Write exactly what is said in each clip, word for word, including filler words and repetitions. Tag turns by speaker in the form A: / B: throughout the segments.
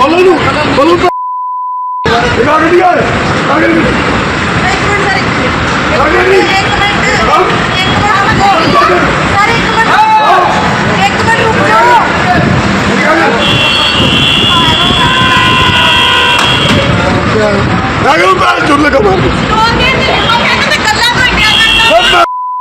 A: बोलो नू बोलो तो दिखा के दिया है आगे नहीं
B: एक मिनट सर एक मिनट
A: आगे नहीं
B: एक मिनट एक मिनट सर एक मिनट एक मिनट रुक जाओ
A: आगे ऊपर चुन लगा मार
B: तो के वो कहते थे कल्ला तो क्या करना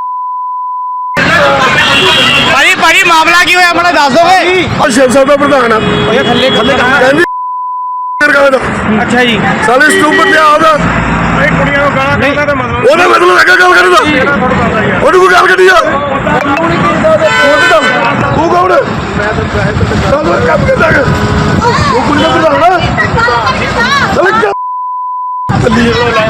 C: ਭਾਈ ਭਾਈ ਮਾਮਲਾ ਕੀ ਹੋਇਆ ਮੈਨੂੰ ਦੱਸ ਦੋਗੇ
A: और शिव साहब का प्रधान है
C: ਓਏ ਥੱਲੇ ਥੱਲੇ ਕਹਾਂ
A: कहंदी
C: ਅੱਛਾ ਜੀ
A: साले इस ऊपर ले आदा
C: ਇਹ ਕੁੜੀਆਂ ਨੂੰ ਗਾਲਾਂ ਕੱਢਦਾ ਤੇ ਮਤਲਬ
A: ਉਹਦਾ ਮਤਲਬ ਹੈਗਾ ਗੱਲ ਕਰਦਾ ਉਹਨੂੰ ਕੋਈ ਗੱਲ ਕੱਢੀ ਆ ਤੂੰ ਕੌਣ ਹੈ ਮੈਂ ਤਾਂ ਚੱਲ ਕੰਮ ਕਰਦਾ ਹੈ ਉਹ ਕੁੜੀ ਦਾ ਪ੍ਰਧਾਨ ਹੈ ਚੱਲ ਚੱਲੀ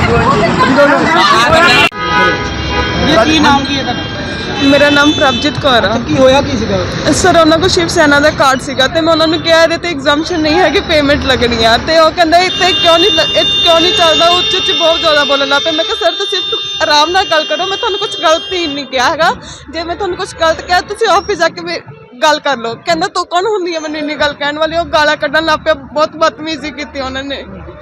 C: ਕੀ ਨਾਮ ਕੀ ਹੈ ਤੁਹਾਡਾ
D: ਮੇਰਾ ਨਾਮ ਪ੍ਰਭਜੀਤ ਕੌਰ ਆ।
C: ਕੀ ਹੋਇਆ ਕੀ ਸੀਗਾ
D: ਸਰ ਉਹਨਾਂ ਕੋਲ ਸ਼ਿਵ ਸੈਨਾ ਦਾ ਕਾਰਡ ਸੀਗਾ ਤੇ ਮੈਂ ਉਹਨਾਂ ਨੂੰ ਕਿਹਾ ਇਹਦੇ ਤੇ ਐਗਜ਼ਾਮਸ਼ਨ ਨਹੀਂ ਹੈ ਕਿ ਪੇਮੈਂਟ ਲੱਗਣੀ ਆ ਤੇ ਉਹ ਕਹਿੰਦਾ ਇੱਥੇ ਕਿਉਂ ਨਹੀਂ ਲ- ਇਹ ਕਿਉਂ ਨਹੀਂ ਚੱਲਦਾ ਉੱਚ ਉੱਚ ਬਹੁਤ ਜ਼ਿਆਦਾ ਬੋਲਣ ਲੱਗ ਪਏ। ਮੈਂ ਕਿਹਾ ਸਰ ਤੁਸੀਂ ਆਰਾਮ ਨਾਲ ਗੱਲ ਕਰੋ, ਮੈਂ ਤੁਹਾਨੂੰ ਕੁਝ ਗਲਤ ਹੀ ਨਹੀਂ ਕਿਹਾ ਹੈਗਾ। ਜੇ ਮੈਂ ਤੁਹਾਨੂੰ ਕੁਝ ਗਲਤ ਕਿਹਾ ਤੁਸੀਂ ਆਫਿਸ ਜਾ ਕੇ ਮੇ- ਗੱਲ ਕਰ ਲਓ। ਕਹਿੰਦਾ ਤੂੰ ਕੌਣ ਹੁੰਦੀ ਹੈ ਮੈਨੂੰ ਇੰਨੀ ਗੱਲ ਕਹਿਣ ਵਾਲੀ। ਉਹ ਗਾਲਾਂ ਕੱਢਣ ਲੱਗ ਪਿਆ, ਬਹੁਤ ਬਦਤਮੀਜ਼ੀ ਕੀਤੀ ਉਹਨਾਂ ਨੇ।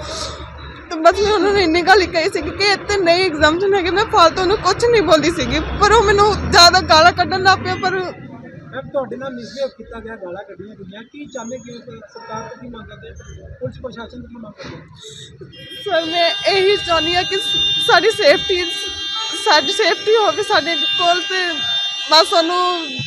D: ਤੇ ਬਸ ਮੈਂ ਉਹਨਾਂ ਨੂੰ ਇੰਨੀ ਗੱਲ ਹੀ ਕਹੀ ਸੀ ਕਿ ਇੱਥੇ ਨਹੀਂ ਐਗਜ਼ਾਮਸ਼ਨ ਹੈਗੇ। ਮੈਂ ਫਾਲਤੂ ਨੂੰ ਕੁਝ ਨਹੀਂ ਬੋਲਦੀ ਸੀਗੀ ਪਰ ਉਹ ਮੈਨੂੰ ਜ਼ਿਆਦਾ ਗਾਲਾਂ ਕੱਢਣ ਲੱਗ ਪਿਆ। ਪਰ
C: ਮੈਮ ਤੁਹਾਡੇ ਨਾਲ ਮਿਸਬਿਹੇਵ ਕੀਤਾ ਗਿਆ, ਗਾਲਾਂ ਕੱਢੀਆਂ ਗਈਆਂ, ਕੀ ਚਾਹੁੰਦੇ ਕਿ ਸਰਕਾਰ ਤੋਂ ਕੀ ਮੰਗ ਕਰਦੇ ਪੁਲਿਸ ਪ੍ਰਸ਼ਾਸਨ ਤੋਂ ਕੀ ਮੰਗ ਕਰਦੇ?
D: ਸਰ ਮੈਂ ਇਹੀ ਚਾਹੁੰਦੀ ਹਾਂ ਕਿ ਸਾਡੀ ਸੇਫਟੀ ਸਾਡੀ ਸੇਫਟੀ ਹੋਵੇ ਸਾਡੇ ਕੋਲ ਤੇ ਬਸ ਉਹਨੂੰ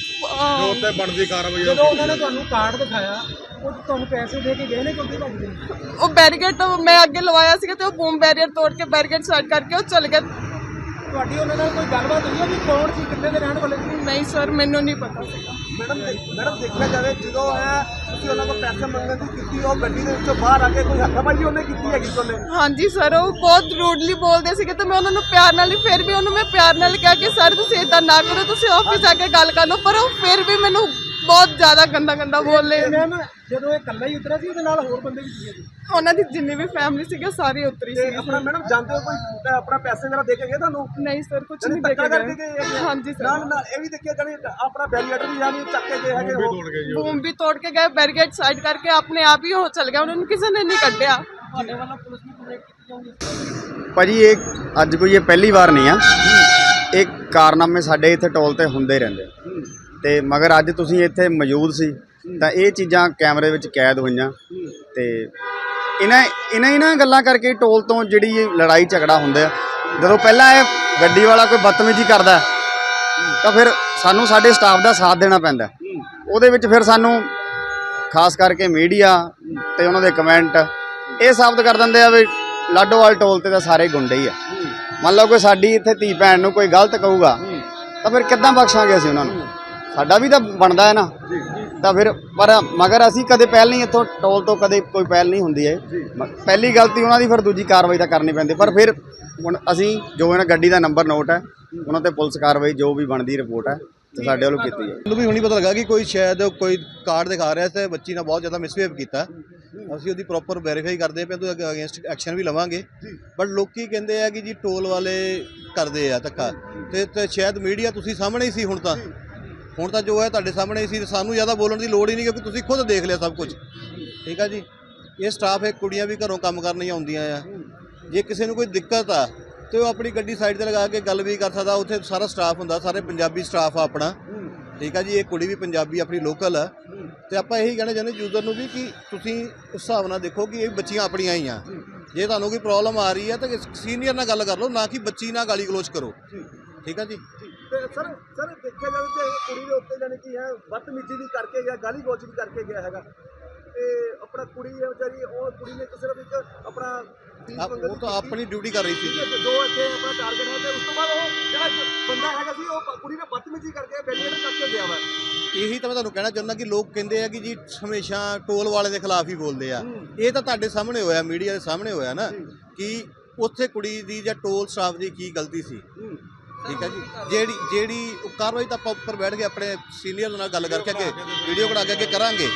D: ਅਹ,
A: ਬਣਦੀ ਕਾਰਵਾਈ
C: ਜਦੋਂ ਉਹਨਾਂ ਨੇ ਤੁਹਾਨੂੰ ਕਾਰਡ ਦਿਖਾਇਆ ਉਹ ਤੁਹਾਨੂੰ ਪੈਸੇ ਦੇ ਕੇ ਗਏ ਨੇ ਕਿਉਂਕਿ ਭੱਜ ਗਏ?
D: ਉਹ ਬੈਰੀਕੇਡ ਮੈਂ ਅੱਗੇ ਲਵਾਇਆ ਸੀਗਾ ਤੇ ਉਹ ਬੂਮ ਬੈਰੀਅਰ ਤੋੜ ਕੇ ਬੈਰੀਕੇਡ ਸਾਈਡ ਕਰਕੇ ਉਹ ਚਲ ਗਿਆ।
C: ਤੁਹਾਡੀ ਉਹਨਾਂ ਨਾਲ ਕੋਈ ਗੱਲਬਾਤ ਹੋਈ ਹੈ ਵੀ ਕੌਣ ਸੀ, ਕਿੱਥੇ ਦੇ ਰਹਿਣ ਵਾਲੇ ਸੀ?
D: ਨਹੀਂ ਸਰ ਮੈਨੂੰ ਨਹੀਂ ਪਤਾ ਸੀਗਾ।
E: ਮੈਡਮ ਮੈਡਮ ਦੇਖਿਆ ਜਾਵੇ ਜਦੋਂ ਹੈ ਤੁਸੀਂ ਉਹਨਾਂ ਕੋਲ ਪੈਸੇ ਮੰਗਣ ਦੀ ਕੀਤੀ ਉਹ ਗੱਡੀ ਦੇ ਵਿੱਚੋਂ ਬਾਹਰ ਆ ਕੇ ਕੋਈ ਹੱਥਾਪਾਈ ਉਹਨੇ ਕੀਤੀ ਹੈਗੀ ਉਹਨੇ
D: ਹਾਂਜੀ ਸਰ ਉਹ ਬਹੁਤ ਰੂਡਲੀ ਬੋਲਦੇ ਸੀਗੇ ਤੇ ਮੈਂ ਉਹਨਾਂ ਨੂੰ ਪਿਆਰ ਨਾਲ ਹੀ ਫਿਰ ਵੀ ਉਹਨੂੰ ਮੈਂ ਪਿਆਰ ਨਾਲ ਕਿਹਾ ਕਿ ਸਰ ਤੁਸੀਂ ਇਦਾਂ ਨਾ ਕਰੋ, ਤੁਸੀਂ ਆਫਿਸ ਆ ਕੇ ਗੱਲ ਕਰ ਲਓ। ਪਰ ਉਹ ਫਿਰ ਵੀ ਮੈਨੂੰ ਬਹੁਤ ਜ਼ਿਆਦਾ ਗੰਦਾ ਗੰਦਾ ਬੋਲੇ।
C: ਮੈਮ ਜਦੋਂ ਇਹ ਇਕੱਲਾ ਹੀ ਉਤਰਿਆ ਸੀ ਉਹਦੇ ਨਾਲ ਹੋਰ ਬੰਦੇ ਵੀ ਸੀਗੇ ਜੀ?
D: ਉਹਨਾਂ ਦੀ ਜਿੰਨੀ ਵੀ ਫੈਮਿਲੀ ਸੀਗੀ ਸਾਰੀ ਉਤਰੀ
E: ਤੇ
D: ਸੀ।
E: ਆਪਣਾ ਮੈਡਮ ਜਾਂਦੇ ਹੋ ਕੋਈ ਆਪਣਾ ਪੈਸੇ ਵਗੈਰਾ ਦੇ ਕੇ ਗਏ ਤੁਹਾਨੂੰ
D: ਨਹੀਂ ਸਰ ਕੁਝ
E: ਜਾਣੀ
D: ਨਹੀਂ ਦੇ
E: ਧੱਕਾ
D: ਕੇ
E: ਕਰਕੇ ਗਏ ਹੈਗੇ?
D: ਗਏ। ਹਾਂਜੀ
E: ਨਾਲ
D: ਸਰ
E: ਨਾਲ ਇਹ ਵੀ ਦੇਖਿਆ ਜਾਣੀ ਆਪਣਾ ਬੈਰੀਅਰ ਵੀ ਜਾਣੀ ਚੱਕ ਕੇ ਗਏ ਹੈਗੇ ਉਹ
D: ਬੂਮ ਵੀ ਤੋੜ ਕੇ ਗਏ, ਬੈਰੀਕੇਡ ਸਾਈਡ ਕਰਕੇ ਆਪਣੇ ਆਪ ਹੀ ਉਹ ਚਲ ਗਿਆ, ਉਹਨਾਂ ਨੂੰ ਕਿਸੇ ਨੇ ਨਹੀਂ ਕੱਢਿਆ।
C: ਤੁਹਾਡੇ ਵੱਲੋਂ ਪੁਲਿਸ ਨੂੰ ਕੰਪਲੇਂਟ ਕੀਤੀ ਜਾਊਗੀ?
F: ਭਾਜੀ ਇਹ ਅੱਜ ਕੋਈ ਇਹ ਪਹਿਲੀ ਵਾਰ ਨਹੀਂ ਆ, ਇਹ ਕਾਰਨਾਮੇ ਸਾਡੇ ਇੱਥੇ ਟੋਲ ਤੇ ਹੁੰਦੇ ਰਹਿੰਦੇ ਆ। ਤੇ ਮਗਰ ਅੱਜ ਤੁਸੀਂ ਇੱਥੇ ਮੌਜੂਦ ਸੀ ਤਾਂ ਇਹ ਚੀਜ਼ਾਂ ਕੈਮਰੇ ਵਿੱਚ ਕੈਦ ਹੋਈਆਂ ਤੇ ਇਹਨਾਂ ਇਹਨਾਂ ਇਹਨਾਂ ਗੱਲਾਂ ਕਰਕੇ ਟੋਲ ਤੋਂ ਜਿਹੜੀ ਇਹ ਲੜਾਈ ਝਗੜਾ ਹੁੰਦਾ ਆ। ਜਦੋਂ ਪਹਿਲਾਂ ਇਹ ਗੱਡੀ ਵਾਲਾ ਕੋਈ ਬਦਤਮੀਜ਼ੀ ਕਰਦਾ ਤਾਂ ਫਿਰ ਸਾਨੂੰ ਸਾਡੇ ਸਟਾਫ ਦਾ ਸਾਥ ਦੇਣਾ ਪੈਂਦਾ। ਉਹਦੇ ਵਿੱਚ ਫਿਰ ਸਾਨੂੰ ਖਾਸ ਕਰਕੇ ਮੀਡੀਆ ਤੇ ਉਹਨਾਂ ਦੇ ਕਮੈਂਟ ਇਹ ਸਾਬਤ ਕਰ ਦਿੰਦੇ ਆ ਵੀ ਲਾਡੋਵਾਲ ਟੋਲ ਤੇ ਤਾਂ ਸਾਰੇ ਗੁੰਡੇ ਹੀ ਆ। ਮੰਨ ਲਓ ਕੋਈ ਸਾਡੀ ਇੱਥੇ ਧੀ ਭੈਣ ਨੂੰ ਕੋਈ ਗਲਤ ਕਹੂਗਾ ਤਾਂ ਫਿਰ ਕਿੱਦਾਂ ਬਖਸ਼ਾਂਗੇ ਅਸੀਂ ਉਹਨਾਂ ਨੂੰ? ਸਾਡਾ ਵੀ ਤਾਂ ਬਣਦਾ ਹੈ ਨਾ। ਤਾਂ ਫਿਰ ਪਰ ਮਗਰ ਅਸੀਂ ਕਦੇ ਪਹਿਲ ਨਹੀਂ ਇੱਥੋਂ ਟੋਲ ਤੋਂ ਕਦੇ ਕੋਈ ਪਹਿਲ ਨਹੀਂ ਹੁੰਦੀ ਹੈ। ਪਹਿਲੀ ਗਲਤੀ ਉਹਨਾਂ ਦੀ, ਫਿਰ ਦੂਜੀ ਕਾਰਵਾਈ ਤਾਂ ਕਰਨੀ ਪੈਂਦੀ। ਪਰ ਫਿਰ ਹੁਣ ਅਸੀਂ ਜੋ ਇਹਨਾਂ ਗੱਡੀ ਦਾ ਨੰਬਰ ਨੋਟ ਹੈ ਉਹਨਾਂ ਤੇ ਪੁਲਿਸ ਕਾਰਵਾਈ ਜੋ ਵੀ ਬਣਦੀ ਰਿਪੋਰਟ ਹੈ ਤੇ ਸਾਡੇ ਵੱਲੋਂ ਕੀਤੀ ਹੈ।
G: ਮੈਨੂੰ ਵੀ ਹੁਣੀ ਪਤਾ ਲੱਗਾ ਕਿ ਕੋਈ ਸ਼ਾਇਦ ਕੋਈ ਕਾਰਡ ਦਿਖਾ ਰਿਹਾ ਤੇ ਬੱਚੀ ਨਾਲ ਬਹੁਤ ਜ਼ਿਆਦਾ ਮਿਸਬਿਹੇਵ ਕੀਤਾ। ਅਸੀਂ ਉਹਦੀ ਪ੍ਰੋਪਰ ਵੈਰੀਫਾਈ ਕਰਦੇ ਪਏ ਤੇ ਅਗੇਂਸਟ ਐਕਸ਼ਨ ਵੀ ਲਵਾਂਗੇ। ਬਟ ਲੋਕੀ ਕਹਿੰਦੇ ਆ ਕਿ ਜੀ ਟੋਲ ਵਾਲੇ ਕਰਦੇ ਆ ਧੱਕਾ ਤੇ ਤੇ ਸ਼ਾਇਦ ਮੀਡੀਆ ਤੁਸੀਂ ਸਾਹਮਣੇ ਹੀ ਸੀ। ਹੁਣ ਤਾਂ ਹੁਣ ਤਾਂ ਜੋ ਹੈ ਤੁਹਾਡੇ ਸਾਹਮਣੇ ਹੀ ਸੀ। ਸਾਨੂੰ ਜ਼ਿਆਦਾ ਬੋਲਣ ਦੀ ਲੋੜ ਹੀ ਨਹੀਂ ਕਿਉਂਕਿ ਤੁਸੀਂ ਖੁਦ ਦੇਖ ਲਿਆ ਸਭ ਕੁਝ। ਠੀਕ ਆ ਜੀ। ਇਹ ਸਟਾਫ ਹੈ, ਕੁੜੀਆਂ ਵੀ ਘਰੋਂ ਕੰਮ ਕਰਨ ਹੀ ਆਉਂਦੀਆਂ ਆ। ਜੇ ਕਿਸੇ ਨੂੰ ਕੋਈ ਦਿੱਕਤ ਆ ਤੇ ਉਹ ਆਪਣੀ ਗੱਡੀ ਸਾਈਡ ਤੇ ਲਗਾ ਕੇ ਗੱਲ ਵੀ ਕਰ ਸਕਦਾ। ਉੱਥੇ ਸਾਰਾ ਸਟਾਫ ਹੁੰਦਾ, ਸਾਰੇ ਪੰਜਾਬੀ ਸਟਾਫ ਆ ਆਪਣਾ। ਠੀਕ ਆ ਜੀ। ਇਹ ਕੁੜੀ ਵੀ ਪੰਜਾਬੀ ਆਪਣੀ ਲੋਕਲ ਆ ਤੇ ਆਪਾਂ ਇਹੀ ਕਹਿਣਾ ਚਾਹੁੰਦੇ ਯੂਜ਼ਰ ਨੂੰ ਵੀ ਕਿ ਤੁਸੀਂ ਉਸ ਹਿਸਾਬ ਨਾਲ ਦੇਖੋ ਕਿ ਇਹ ਬੱਚੀਆਂ ਆਪਣੀਆਂ ਹੀ ਆ। ਜੇ ਤੁਹਾਨੂੰ ਕੋਈ ਪ੍ਰੋਬਲਮ ਆ ਰਹੀ ਹੈ ਤਾਂ ਸੀਨੀਅਰ ਨਾਲ ਗੱਲ ਕਰ ਲਓ, ਨਾ ਕਿ ਬੱਚੀ ਨਾਲ ਗਾਲੀ ਗਲੋਚ ਕਰੋ। ਠੀਕ ਆ ਜੀ।
E: ਤੇ ਸਰ ਸਰ ਦੇਖਿਆ ਜਾਵੇ ਤੇ ਕੁੜੀ ਦੇ ਉੱਤੇ ਜਾਣੀ ਕੀ ਹੈ ਬਦਤਮੀਜ਼ੀ ਵੀ ਕਰਕੇ ਗਿਆ, ਗਾਲੀ ਗਲੋਚ ਵੀ ਕਰਕੇ ਗਿਆ ਹੈਗਾ। ਤੇ ਆਪਣਾ ਕੁੜੀ ਹੈ ਵਿਚਾਰੀ, ਉਹ ਕੁੜੀ ਨੇ ਕਿਸੇ ਵਿੱਚ ਆਪਣਾ
G: ਉਹ ਤਾਂ ਆਪਣੀ ਡਿਊਟੀ ਕਰ ਰਹੀ ਸੀ।
E: ਜੋ ਇੱਥੇ ਆਪਣਾ ਟਾਰਗੇਟ ਹੈ ਤੇ ਉਸ ਤੋਂ ਬਾਅਦ ਉਹ ਜਿਹੜਾ ਬੰਦਾ ਹੈਗਾ ਸੀ ਉਹ ਕੁੜੀ ਨੇ ਬਦਤਮੀਜ਼ੀ ਕਰਕੇ ਬੈਰੀਅਰ ਕੱਟ ਕੇ ਗਿਆ ਵਾ।
G: ਇਹੀ ਤਾਂ ਮੈਂ ਤੁਹਾਨੂੰ ਕਹਿਣਾ ਚਾਹੁੰਦਾ ਕਿ ਲੋਕ ਕਹਿੰਦੇ ਆ ਕਿ ਜੀ ਹਮੇਸ਼ਾ ਟੋਲ ਵਾਲੇ ਦੇ ਖਿਲਾਫ ਹੀ ਬੋਲਦੇ ਆ। ਇਹ ਤਾਂ ਤੁਹਾਡੇ ਸਾਹਮਣੇ ਹੋਇਆ, ਮੀਡੀਆ ਦੇ ਸਾਹਮਣੇ ਹੋਇਆ ਨਾ ਕਿ ਉੱਥੇ ਕੁੜੀ ਦੀ ਜਾਂ ਟੋਲ ਸਟਾਫ ਦੀ ਕੀ ਗਲਤੀ ਸੀ। ਠੀਕ ਹੈ ਜੀ। ਜਿਹੜੀ ਜਿਹੜੀ ਉਹ ਕਾਰਵਾਈ ਤਾਂ ਆਪਾਂ ਉੱਪਰ ਬੈਠ ਕੇ ਆਪਣੇ ਸੀਨੀਅਰ ਨਾਲ ਗੱਲ ਕਰਕੇ ਅੱਗੇ ਵੀਡੀਓ ਕਢਾ ਕੇ ਅੱਗੇ ਕਰਾਂਗੇ।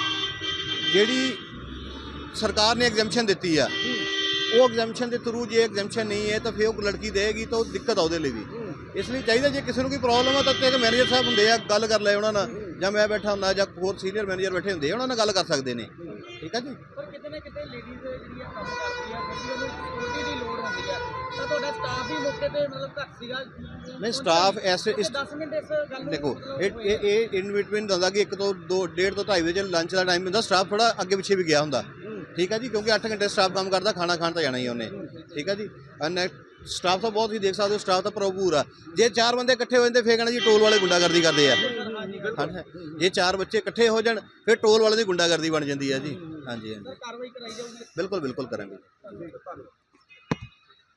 G: ਜਿਹੜੀ ਸਰਕਾਰ ਨੇ ਐਗਜ਼ੈਂਪਸ਼ਨ ਦਿੱਤੀ ਆ ਉਹ ਐਗਜ਼ੈਂਪਸ਼ਨ ਦੇ ਥਰੂ ਜੇ ਐਗਜ਼ੈਂਪਸ਼ਨ ਨਹੀਂ ਹੈ ਤਾਂ ਫਿਰ ਉਹ ਲੜਕੀ ਦੇਗੀ ਤਾਂ ਉਹ ਦਿੱਕਤ ਆ ਉਹਦੇ ਲਈ ਵੀ। ਇਸ ਲਈ ਚਾਹੀਦਾ ਜੇ ਕਿਸੇ ਨੂੰ ਕੋਈ ਪ੍ਰੋਬਲਮ ਆ ਤਾਂ ਇੱਕ ਮੈਨੇਜਰ ਸਾਹਿਬ ਹੁੰਦੇ ਆ, ਗੱਲ ਕਰ ਲੈ ਉਹਨਾਂ ਨਾਲ ਜਾਂ ਮੈਂ ਬੈਠਾ ਹੁੰਦਾ ਜਾਂ ਹੋਰ ਸੀਨੀਅਰ ਮੈਨੇਜਰ ਬੈਠੇ ਹੁੰਦੇ ਆ, ਉਹਨਾਂ ਨਾਲ ਗੱਲ ਕਰ ਸਕਦੇ ਨੇ। ਠੀਕ ਹੈ ਜੀ।
C: ਪਰ ਕਿਤੇ ਨਾ ਕਿਤੇ ਲੇਡੀਜ਼ ਜਿਹੜੀਆਂ ਕੰਮ ਕਰਦੀਆਂ ਫਿਰ ਵੀ ਉਹਨੂੰ ਸਿਕਿਉਰਿਟੀ ਦੀ ਲੋੜ ਹੁੰਦੀ ਹੈ, ਤਾਂ ਤੁਹਾਡਾ ਸਟਾਫ ਵੀ ਮੌਕੇ ਤੇ ਮਤਲਬ ਘੱਟ ਸੀਗਾ?
G: ਨਹੀਂ ਸਟਾਫ ਐਸੇ ਇਸ
C: ਦਸ ਮਿੰਟ ਇਸ ਗੱਲ ਨੂੰ
G: ਦੇਖੋ
C: ਮਤਲਬ
G: ਇਹ ਇਹ ਇਹ ਇਨ ਬਿਟਵੀਨ ਹੁੰਦਾ ਕਿ ਇੱਕ ਤੋਂ ਦੋ ਡੇਢ ਤੋਂ ਢਾਈ ਵਜੇ ਲੰਚ ਦਾ ਟਾਈਮ ਹੁੰਦਾ, ਸਟਾਫ ਥੋੜਾ ਅੱਗੇ ਪਿੱਛੇ ਵੀ ਗਿਆ ਹੁੰਦਾ। ਠੀਕ ਹੈ ਜੀ, ਕਿਉਂਕਿ ਅੱਠ ਘੰਟੇ ਸਟਾਫ ਕੰਮ ਕਰਦਾ, ਖਾਣਾ ਖਾਣ ਤਾਂ ਜਾਣਾ ਹੀ ਉਹਨੇ। ਠੀਕ ਹੈ ਜੀ। ਐਂਡ ਸਟਾਫ ਤਾਂ ਬਹੁਤ ਹੀ ਦੇਖ ਸਕਦੇ ਹੋ, ਸਟਾਫ ਤਾਂ ਭਰਪੂਰ ਆ। ਜੇ ਚਾਰ ਬੰਦੇ ਇਕੱਠੇ ਹੋ ਜਾਂਦੇ ਫੇਰ ਕਹਿਣਾ ਜੀ ਟੋਲ ਵਾਲੇ ਗੁੰਡਾਗਰਦੀ ਕਰਦੇ ਆ। ਹਾਂਜੀ, ਜੇ ਚਾਰ ਬੱਚੇ ਇਕੱਠੇ ਹੋ ਜਾਣ ਫਿਰ ਟੋਲ ਵਾਲੇ ਦੀ ਗੁੰਡਾਗਰਦੀ ਬਣ ਜਾਂਦੀ ਹੈ ਜੀ। ਹਾਂਜੀ ਹਾਂਜੀ
C: ਕਾਰਵਾਈ ਕਰਾਈ ਜਾਊਗੀ।
G: ਬਿਲਕੁਲ ਬਿਲਕੁਲ ਕਰਾਂਗੇ।